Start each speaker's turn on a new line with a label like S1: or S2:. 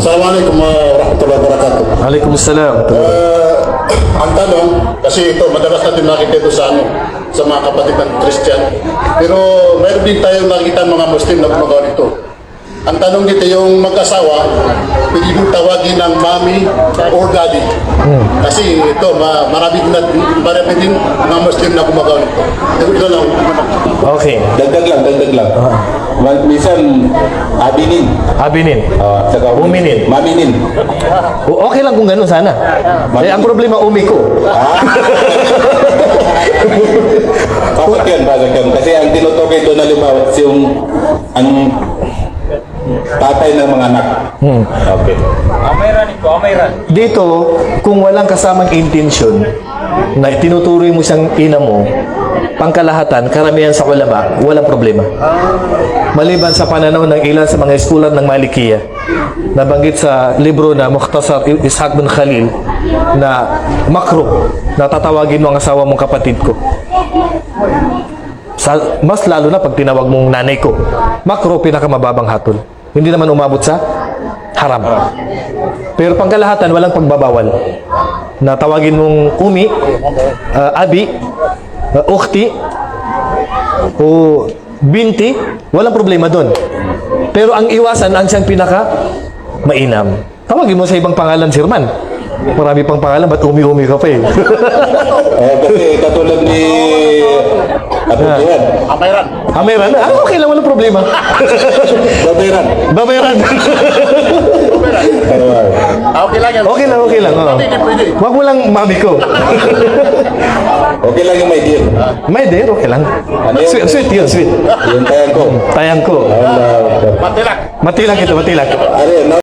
S1: Assalamualaikum warahmatullahi wabarakatuh.
S2: Waalaikumsalam.
S1: Ang tanong, kasi ito, madalas natin nakita ito sa mga kapatid ng Christian. Pero mayroon din tayong nakita mga Muslim na gumagawa nito. Ang tanong dito, yung mag-asawa, pwede mong tawagin ng mommy or daddy. Kasi ito, marami din mga Muslim na gumagawa nito. Ito lang.
S2: Okay.
S3: Dagdag lang. Minsan, abinin.
S2: Abinin.
S3: Saka
S2: Uminin.
S3: Maminin.
S2: Okay lang kung ganun sana. Eh, ang problema, umi ko.
S3: Pasok yun. Kasi ang tinutukoy doon na limawat yung ang tatay ng mga anak. Okay.
S2: Dito, kung walang kasamang intention na tinuturoy mo siyang ina mo, pangkalahatan, karamihan sa ulama, walang problema. Maliban sa pananaw ng ilan sa mga eskulan ng Malikiya, nabanggit sa libro na Mukhtasar Ishaq bin Khalil na makruh na tatawagin mo ang asawa mong kapatid ko. Mas lalo na pag tinawag mong nanay ko. Makruh, pinakamababang hatol. Hindi naman umabot sa haram. Pero pangkalahatan, walang pagbabawal. Na tawagin mong umi, abi, ukhti, o binti, walang problema doon. Pero ang iwasan, ang siyang pinaka mainam. Tawagin mo sa ibang pangalan, Sirman. Marami pang pangalan, ba't umi-umi ka pa eh?
S3: Kasi katulad ni Abu Jihad.
S1: Amayran.
S2: Okay lang, walang problema.
S3: Babayran.
S2: Babayaran.
S1: Okay lang yan.
S2: Okay lang. Oh.
S1: Pwede.
S2: Huwag mo lang mami ko.
S3: Okay lang yung may deal.
S2: May dear, okay lang. Sweet yun, sweet.
S3: Yung tayang ko.
S2: Tayang ko.
S1: Matilak.
S2: Matilang ito, matilang.
S3: Ano yun, no?